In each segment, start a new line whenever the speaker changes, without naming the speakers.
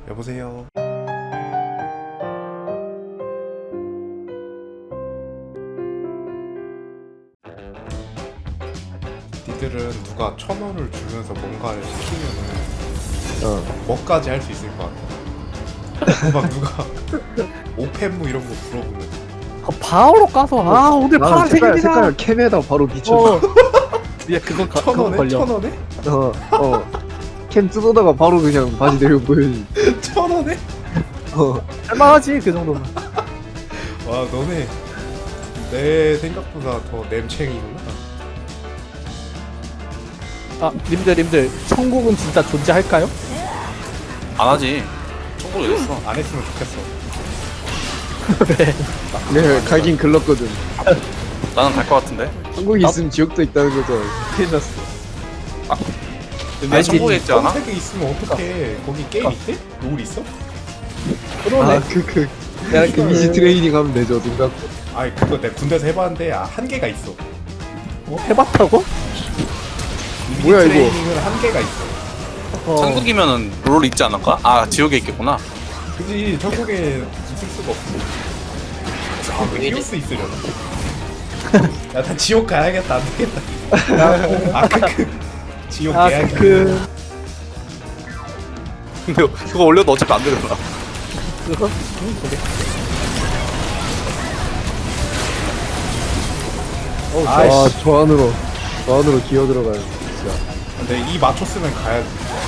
여보세요. 니들은 누가 1,000원을 주면서 뭔가를 시키면은 뭐까지 할 수 있을 것 같아? 막 누가 오펜무 이런 거 물어보면
바로 까서 오늘
나는
파란색입니다.
색깔 캠에다 바로 비춰.
야 그거
1,000원에?
걸려.
1,000원에?
캠 뜯어다가 바로 그냥 바지 내리고 보여주지.
1,000원에?
할만하지 그 정도면.
와 너네 내 생각보다 더 냄챙이구나.
님들 천국은 진짜 존재할까요?
안 하지. 청구 왜 했어?
안 했으면 좋겠어.
네, 가긴 글렀거든.
나는 갈 것 같은데.
한국에 있으면 지옥도 있다는 거죠. 큰일 났어.
아니 청구에 있지 않아?
검색에 있으면 어떡해. 거기 게임 있대? 롤 있어?
그러네.
내가 그 이미지 트레이닝 하면 되죠, 눈 감고.
아이 그거 내가 군대에서 해봤는데 한계가 있어.
해봤다고?
이미지
뭐야, 이거?
트레이닝은 한계가 있어.
천국이면은 롤 있지 않을까? 아 지옥에 있겠구나.
그지 천국에 있을 수가 없어. 왜 히오스 있으려나? 야 나 지옥 가야겠다. 안 되겠다. 지옥 가야겠다.
근데 그거 올려도 어차피 안 되잖아.
그거? 그래.
아이씨.
저 안으로 기어 들어가요. 진짜.
근데 이 맞췄으면 가야지.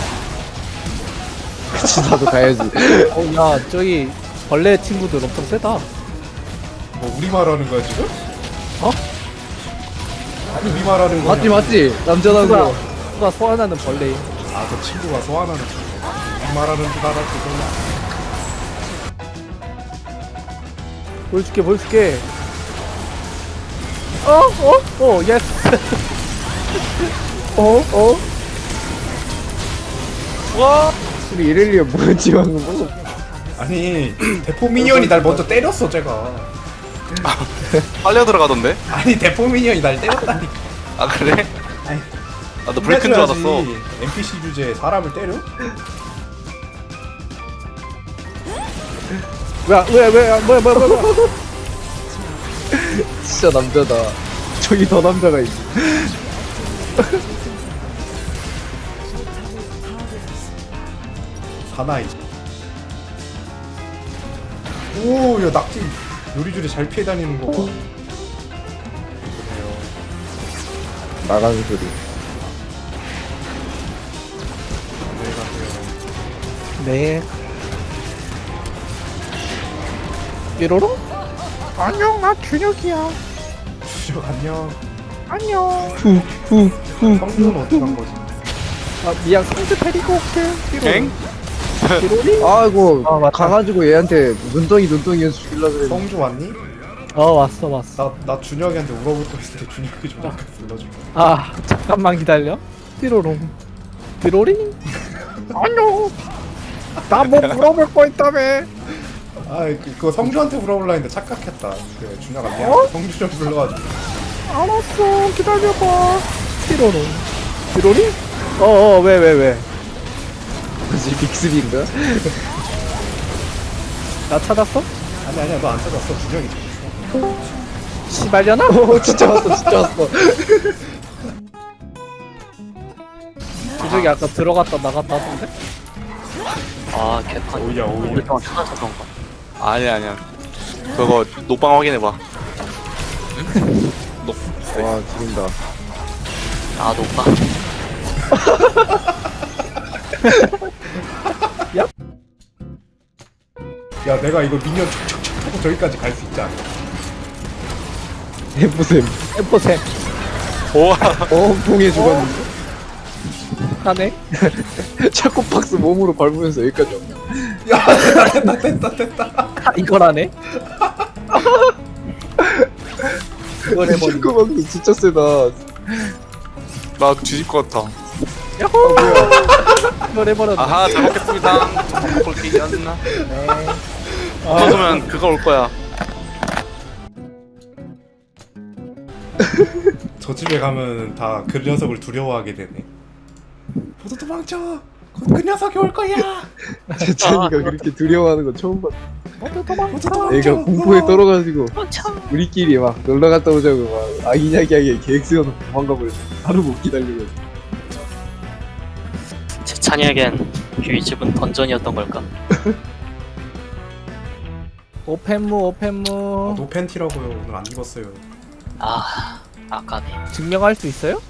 그치, 나도 가야지.
야 저기 벌레 친구들 엄청 세다.
뭐 우리말 하는 거야 지금?
어?
아니 우리말 하는 거야.
맞지? 남자다운 거.
누가 소환하는 벌레.
아그 친구가 소환하는 친구. 우리말 하는 줄 알았지.
보여줄게. 예스.
와.
우리 이렐리아 뭐였지 방금?
아니 대포 미니언이 날 먼저 때렸어 제가.
빨려 들어가던데?
아니 대포 미니언이 날 때렸다니까.
아 그래?
아니,
나도 브레이크인 줄 알았어.
NPC 주제에 사람을 때려?
뭐야.
진짜 남자다. 저기 더 남자가 있어.
사나이. 오야 낙지 요리조리 잘 피해 다니는 거 봐. 그래요.
나가는 소리.
네 가세요.
네. 삐로로? 안녕 나 준혁이야.
주적 안녕.
안녕.
성준은 어떻게 한 거지?
미양 상주 데리고 올게.
엥?
삐로리?
아이고,
맞다.
가가지고 얘한테 눈덩이 해서 죽이려고 그랬는데.
성주 왔니?
왔어.
나 준혁이한테 울어볼 거 있을 때 준혁이 좀 잠깐 불러줄 거야.
잠깐만 기다려. 삐로롱. 삐로리? 안녕. 나 뭐 물어볼 거 있다며.
그거 성주한테 물어보려 했는데 착각했다. 그래 준혁아 미안. 성주 좀 불러가지고.
알았어 기다려봐. 삐로롱. 삐로리? 왜?
뭐지, 빅스비인가?
나 찾았어?
아니야 너 안 찾았어. 준혁이 찾았어.
시발려나?
진짜 왔어.
주적이 아까 들어갔다 나갔다 하던데?
아 개판.
오야.
오랫동안 찾아서 그런 거. 아니야. 그거 녹방 확인해봐.
와, 죽인다.
아 녹방.
야 내가 이거 미니언 촉촉촉 하고 저기까지 갈 수 있지 않아?
해보셈.
엠포세
우와.
봉에 죽었는데.
하네?
차코박스 몸으로 밟으면서 여기까지 왔네.
야 됐다.
이거라네? 이걸 해버리
차코박스 진짜 세다.
나 뒤질 것 같아.
야호! 이걸 해버렸네.
아하 잘 먹겠습니다. 좀 볼게요.
네.
먹으면 그거 올 거야.
저 집에 가면 다 그 녀석을 두려워하게 되네. 모두 도망쳐. 그 녀석이 올 거야.
재찬이가 그렇게 두려워하는 건 처음 봤어.
도망쳐.
애가 공포에 떨어가지고 우리끼리 막 놀러 갔다 오자고 막 아기냐기하게 계획 세워놓고 도망가 버렸어. 하루 못 기다리고.
재찬이에겐 휘 집은 던전이었던 걸까?
오펜무
노 팬티라고요. 오늘 안 입었어요.
아, 아까네.
증명할 수 있어요?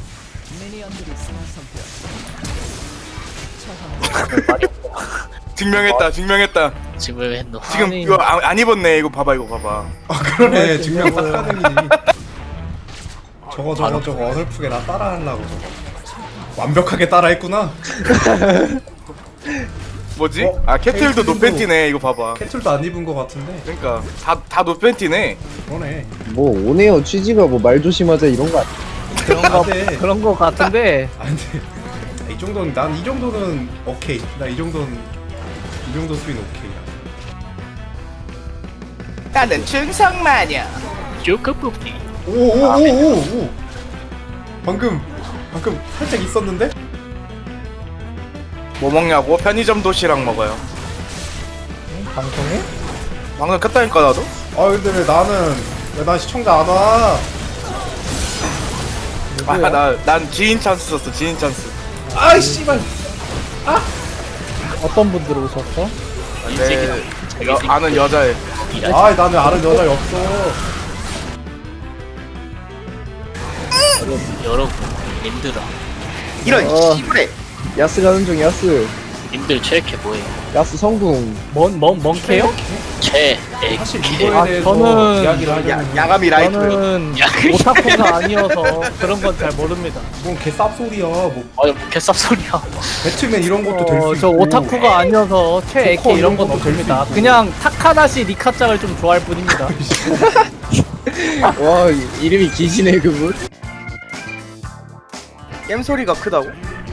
증명했다.
지금 왜 했노?
지금
아니.
이거 안 입었네. 이거 봐봐.
그러네. 증명 딱 가능이지. 저거 어설프게 나 따라하려고 저거. 완벽하게 따라했구나.
뭐지?
어?
아 캐틀도
캐틀도.
노팬티네. 이거 봐봐.
캐틀도 안 입은 거 같은데.
그러니까 다 노팬티네.
그러네.
뭐 오네요 취지가 뭐 말 조심하자 이런 거 아니야?
그런 거 같은데.
아 근데 이 정도는 난 이 정도는 오케이. 나 이 정도 수위는 오케이야.
나는 충성마녀.
쭈크 뽑기.
오오오오오. 방금 살짝 있었는데?
뭐 먹냐고? 편의점 도시락 먹어요.
방송에?
방금 켰다니까 나도.
아 근데 왜 난 시청자 안 와?
난 지인 찬스 썼어. 지인 찬스.
아이 씨발.
어떤 분들 오셨어?
아는 여자애.
아 나는 아는 여자 없어.
여러분, 님들아.
이런 씨부레. 야스 가는 중 야스.
님들 최애캐 뭐예요?
야스 성궁.
멍캐요?
최애캐.
사실 이거에 대해서
저는
이야기를 하려면
야감이 라이트.
저는
야,
오타쿠가 아니어서 그런 건 잘 모릅니다.
뭔 개쌉소리야. 뭐
뭐 개쌉소리야.
배트맨 이런 것도 될 수 있고.
저 오타쿠가 아니어서 최애캐
조커
이런 건
이런 것도 될수
없습니다.
있고.
그냥 타카다시 리카짱을 좀 좋아할 뿐입니다.
와 이름이 기시네 그분.
겜 소리가 크다고?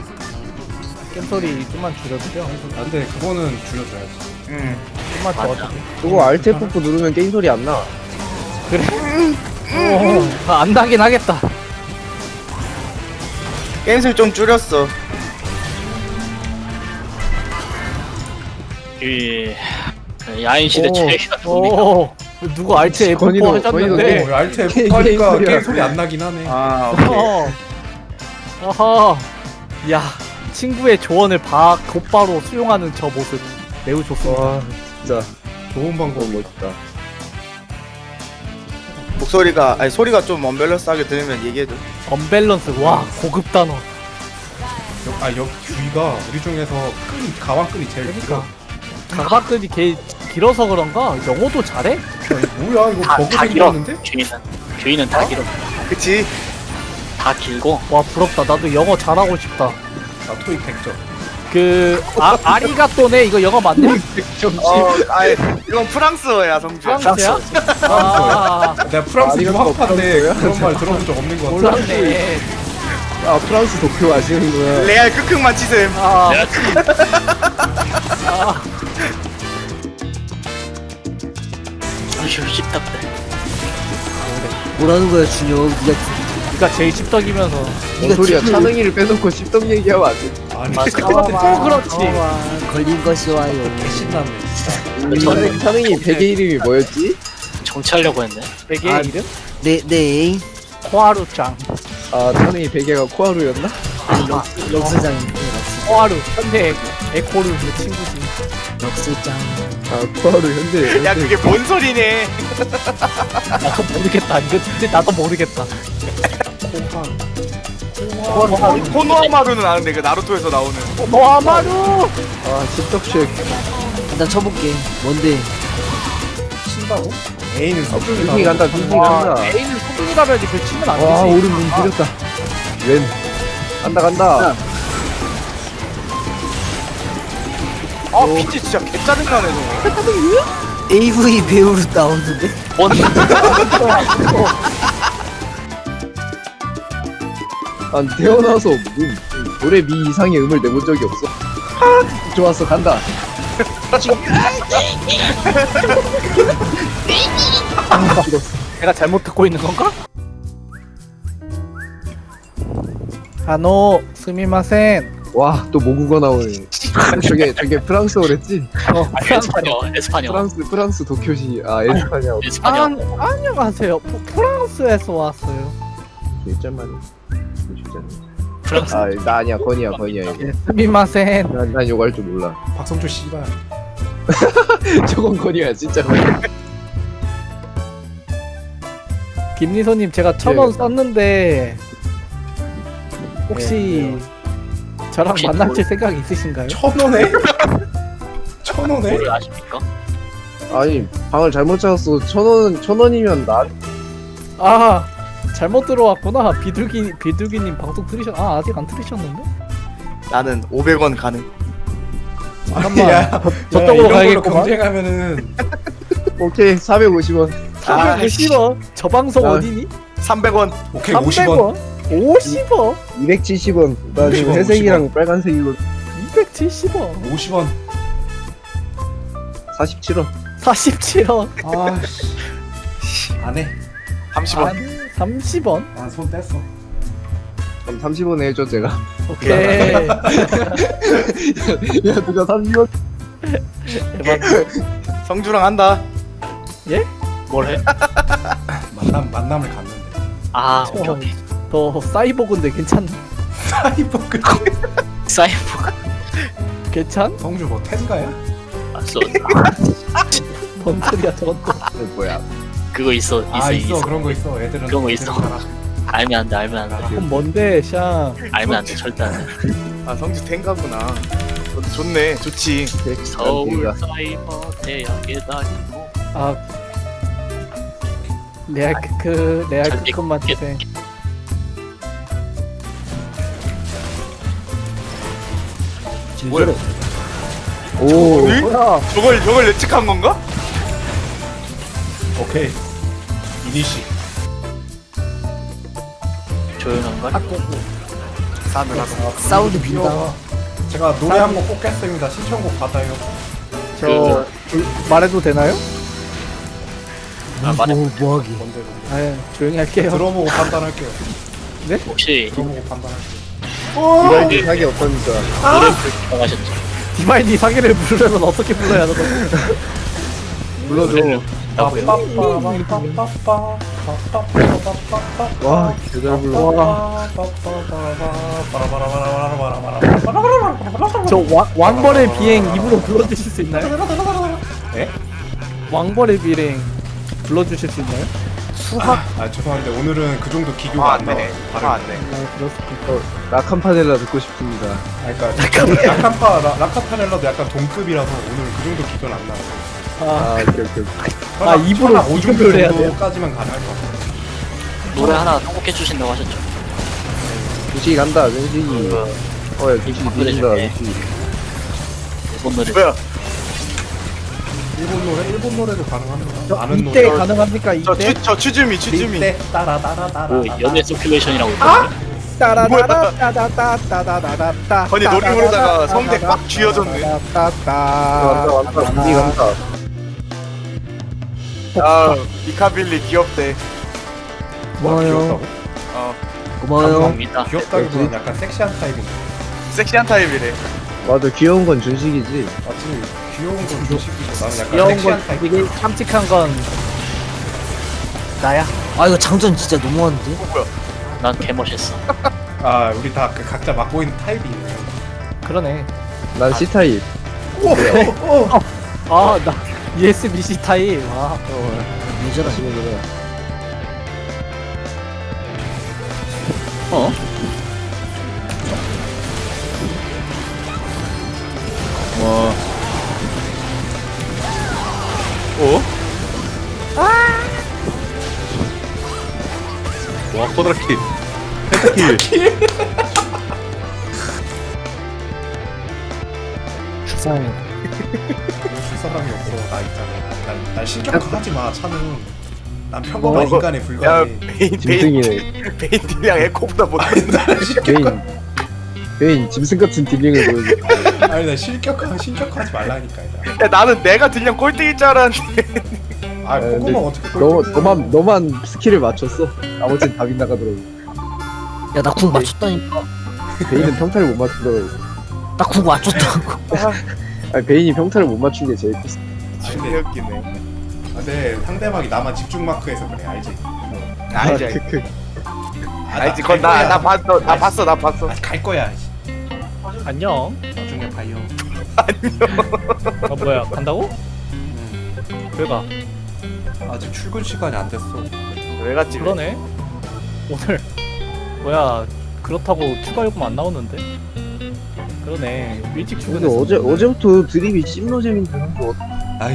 겜소리 좀만 줄여주죠.
아, 근데 그거는 줄여줘야지.
좀만
맞아.
더.
그거 알트 F4 누르면 게임 소리 안 나.
안 나긴 하겠다.
게임을 좀 줄였어.
야인 시대 최애캐가 누굽니까?
오, 누구 알트 F4
건이도
하셨는데?
어, 알트 F
게임
하니까
소리야.
게임 소리 안 나긴 하네.
아
어허. 야, 친구의 조언을 곧바로 수용하는 저 모습 매우 좋습니다.
와 진짜
좋은 방법.
너무 멋있다.
목소리가 소리가 좀 언밸런스하게 들으면 얘기해줘.
언밸런스. 와, 고급 단어.
여기 귀가 우리 중에서 가방끈이 제일 길어.
가방끈이 길어서 그런가? 영어도 잘해?
뭐야 이거 버그
다 길어.
생겼는데?
귀는 다 길어.
그치?
다 길고.
와, 부럽다. 나도 영어 잘하고 싶다.
나 토익 100점.
아리가또네 이거 영어 맞냐?
이건 프랑스어야 성주야.
프랑스야? 아,
내가 프랑스
아리가또
유학파인데
프랑스어야?
그런 말 들어본 적 없는 것 같아.
몰랐네.
아 프랑스 도쿄 아시는구나.
레알 끄끄만 치셈.
아,
아휴 씹답다.
뭐라는 거야 준혁 니가
네가 제일 씹덕이면서.
뭔 소리야? 차능이를 빼놓고 씹덕 얘기하면 안 돼.
아니
맞아.
또 그렇지.
걸린 것이 와요
개신나네.
차능이 베개 이름이 뭐였지?
정치하려고 했네.
베개
아,
이름?
내 애인
코하루짱.
아 차능이 베개가 코하루였나?
럭스장
코하루 현대 에코르 그 친구지.
럭스장
아 코하루 현대.
야 그게 뭔 소리네.
나도 모르겠다. 이거 진짜 나도 모르겠다.
코노하마루는 아는데 그 나루토에서 나오는.
노아마루.
아 씹덕쉐.
일단 쳐볼게 뭔데
친다고? 애인은
빙빙 간다 빙빙
와,
간다.
애인을 소중이라면지 그 치면 안
와
되지.
오른 눈 들였다. 웬 간다.
아 피지 진짜 개짜증나네 저거.
AV 배우로 나오는데
뭔?
난 태어나서 노래 미 이상의 음을 내본 적이 없어. 좋았어 간다.
내가 잘못 듣고 있는 건가? 스미마센.
와, 또 모국어 나오네. 저게 프랑스어랬지?
에스파뇰.
프랑스 도쿄시, 에스파냐고.
에스파뇰.
안녕하세요. 프랑스에서 왔어요.
일점만이.
프랑스.
나 아니야, 건이야, 이거.
예, 스미마센.
난 요거 할 줄 몰라.
박성주 씨발.
저건 건이야, 진짜 건이야.
김리소님 제가 1,000원
네.
썼는데 혹시 저랑
혹시
만나실 생각 있으신가요?
1,000원에? 1,000원에?
뭐를 아십니까?
아니, 방을 잘못 찾았어. 1,000원이면 나.
아 잘못 들어왔구나. 비둘기님 방송 들으셨? 아직 안 들으셨는데?
나는 500원 가능.
잠깐만.
야,
저쪽으로
이런 걸로
가야겠구만.
경쟁하면은
오케이, 450원.
450원. 저 방송
아.
어디니?
300원.
오케이 50원.
50원?
270원. 나 지금
50원,
회색이랑 빨간색이고
270원.
50원.
47원.
47원.
아, 안 해.
30원.
30원.
난 손 뗐어.
그럼 30원에 해줘, 제가.
오케이.
야, 누가 30원?
대박.
성주랑 한다.
뭘 해?
만남을 갔는데.
아, 오케이.
더 사이보그인데 괜찮?
사이버그.
사이버.
괜찮?
성주 뭐 텐가야?
뭔 소리야 저건 또.
뭐야.
그거 있어.
있어 그런 거 있어. 애들은
그런 거 있어.
애들은 알아.
알면 안 돼. 알면 안 돼.
그럼 뭔데 샹?
알면 안 돼. 절대 안 돼.
아 성주 탱가구나. 좋네. 좋지.
서울 사이버 대학에 다니고.
아 레알 레알
절대
그것만 주세요.
뭐야?
오.
응? 저걸 예측한 건가?
오케이. 이니시.
조용한가?
싸늘하고.
사우드 빈다.
귀여워. 제가 노래 한 곡 뽑겠습니다. 신청곡 받아요.
저 말해도 되나요?
아, 말해.
뭐하기.
뭔데?
아 조용히 할게요.
들어보고 판단할게요.
혹시
들어보고 판단할게요.
이발기 사기 없다니까.
노래 부르셨죠?
디마이니 사기를 부르려면 어떻게 불러야 하는 거야?
불러줘. 와, 개잘 불러.
저 왕벌의 비행 입으로 불러주실 수 있나요?
예?
왕벌의 비행 불러주실 수 있나요?
죄송한데 오늘은 그 정도 기교가 안 나와요.
안 돼.
아 그렇습니까?
라칸파넬라 듣고 싶습니다.
그러니까 라카파넬라도 약간 동급이라서 오늘 그 정도 기교는 안 나와요.
오케이. 입으로 기교를 해야 돼요?
까지만 가능할 것 같아요.
노래 하나 선곡해 주신다고 하셨죠?
주식이 간다, 주식이. 야, 주식이 뒤진다,
그래,
주식이.
일본 노래.
뭐야?
일본 노래도 가능합니다. 아는
이때
노래.
가능합니까? 이때?
저 추즈미.
이때 따라따라따라.
뭐 연애 서큘레이션이라고 있거든요.
따라따라따다따다다다다다.
아니, 노래 부르다가 성대 꽉 쥐어졌네.
간다, 주식이 간다.
아 미카빌리 귀엽대.
고마워요.
귀엽다고?
어
고마워요.
감사합니다.
귀엽다기보다는 약간 섹시한 타입인데.
섹시한 타입이래.
맞아, 귀여운 건 준식이지.
맞지? 귀여운 건 조식이고 나는 약간
귀여운
섹시한
건
타입.
되게 깜찍한 건 나야.
아 이거 장전 진짜 너무한데?
난 개멋있어.
우리 다 그 각자 맡고 있는 타입이 있네.
그러네.
난 C타입.
나 USB-C 타입. 와.
예전에
어?
어? 와 코드라키.
불쌍해.
줄 사람이 없어. 나 있잖아. 날 신격화하지 마. 차는. 난 평범한 인간에
야
불과해.
짐승이네.
베인이랑 에코보다 못해.
날 신격화.
베인, 짐승 같은 딜링을 보여줘.
아니 나 신격화하지 말라니까.
야 나는 내가 들량 꼴등일 줄 알았는데.
근데
꼬꼬마 어떻게 꼴등이야?
너만 스킬을 맞췄어. 나머지는 다 빗나가더라고.
야 나 궁 맞췄다니까.
베인은 평타를 못 맞추더라고.
나 궁 맞췄다고.
아니 베인이 평타를 못 맞춘 게 제일 컸어.
진짜 웃기네.
근데 상대방이 나만 집중 마크해서 그래 알지?
알지
크크.
알지. 그건 나 봤어.
갈 거야. 씨.
안녕.
나중에 봐요.
아 뭐야 간다고? 왜 가?
아직 출근 시간이 안 됐어.
왜 갔지?
그러네. 오늘 뭐야 그렇다고 추가 요금 안 나오는데? 그러네. 일찍
근데
출근했어.
어제부터 드립이 찜노잼인데 선수
아유.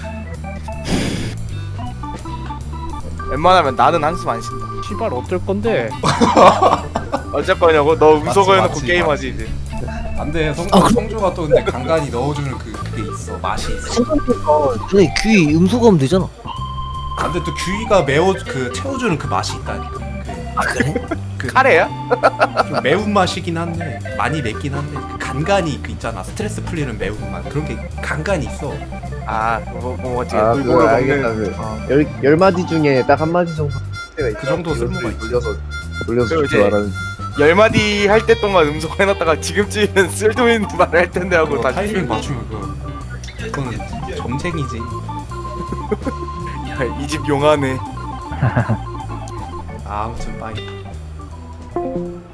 웬만하면 나는 한숨 안 쉰다.
시발 어쩔 건데?
어쩔 거냐고? 너 음소거
맞지,
해놓고
맞지,
게임하지 이제.
안돼 성조가 또 근데 간간히 넣어주는 그게 있어 맛이 있어.
생각해보니까 그래 귀 음소거하면 되잖아.
근데 또 규이가 채워주는 그 맛이 있다니까.
아 그래?
카레야?
좀 매운 맛이긴 한데 많이 맵긴 한데 그 간간이 그 있잖아 스트레스 풀리는 매운맛 그런 게 간간이 있어.
뭐지?
아 그거
물고기
알겠다.
먹는.
열 마디 중에 딱 한 마디 정도
그 정도 쓸모가 있지.
돌려서
그리고
줄줄
이제
알았는데.
10마디 할 때 동안 음소거 해놨다가 지금쯤이면 쓸데없는 말을 할 텐데 하고
그거
다시
타이밍 맞추면 그거는 점쟁이지.
이 집 용하네.
아무튼 빠이.